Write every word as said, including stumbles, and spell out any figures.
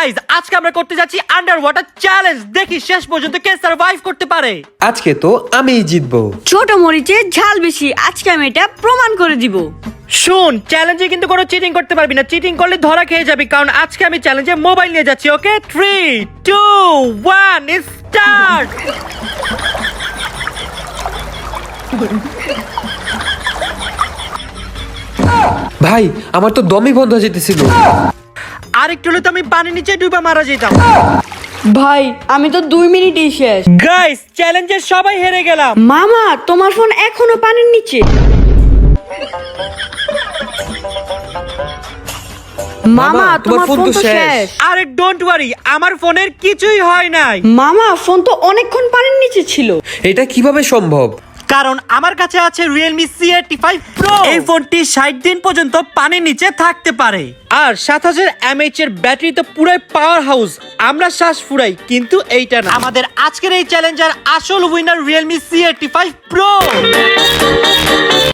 Guys আজকে আমরা করতে যাচ্ছি আন্ডার ওয়াটার চ্যালেঞ্জ। দেখি শেষ পর্যন্ত কে সার্ভাইভ করতে পারে। আজকে তো আমিই জিতবো। ছোট মরিচে ঝাল বেশি, আজকে আমি এটা প্রমাণ করে দিব। শুন, চ্যালেঞ্জে কিন্তু কোনো চিটিং করতে পারবি না। চিটিং করলে ধরা খেয়ে যাবি, কারণ আজকে আমি চ্যালেঞ্জে মোবাইল নিয়ে যাচ্ছি। Okay, three two one start. ভাই আমার তো দমই বন্ধ হয়ে যেতেছিল। আর একটু হলে তো আমি পানি নিচে ডুবা মারা যেতাম। ভাই আমি তো দুই মিনিটই শেষ। গাইস চ্যালেঞ্জে সবাই হেরে গেলাম। মামা তোমার ফোন এখনো পানির নিচে। মামা তোমার ফোন তো শেষ। আরে ডোন্ট ওয়ারি, আমার ফোনের কিছুই হয় নাই। মামা ফোন তো অনেকক্ষণ পানির নিচে ছিল। এটা কিভাবে সম্ভব? কারণ আমার কাছে আছে Realme C eighty five Pro। এই ফোনটি ষাট দিন পর্যন্ত পানির নিচে থাকতে পারে, আর সাত হাজার এমএএইচ এর ব্যাটারি তো পুরাই পাওয়ার হাউস। আমরা শ্বাস ফুরাই, কিন্তু এইটা না। আমাদের আজকের এই চ্যালেঞ্জার আসল winner Realme C eighty five Pro।